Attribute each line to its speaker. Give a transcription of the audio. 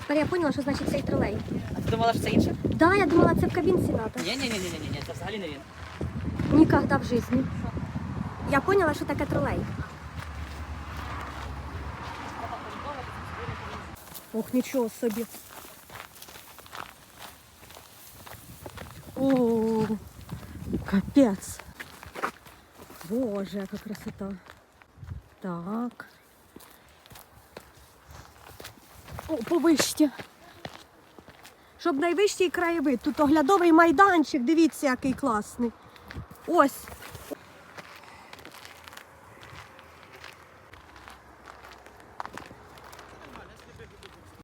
Speaker 1: Тепер я поняла, що значить цей тролей.
Speaker 2: А ти думала, що це інше?
Speaker 1: Да, я думала, це в кабінці треба.
Speaker 2: Ні, це взагалі не він.
Speaker 1: Ніколи в житті. Я поняла, що таке тролей. Ох, нічого собі. О, капець. Боже, яка красота. Так. О, повище. Щоб найвищий краєвид. Тут оглядовий майданчик, дивіться, який класний. Ось.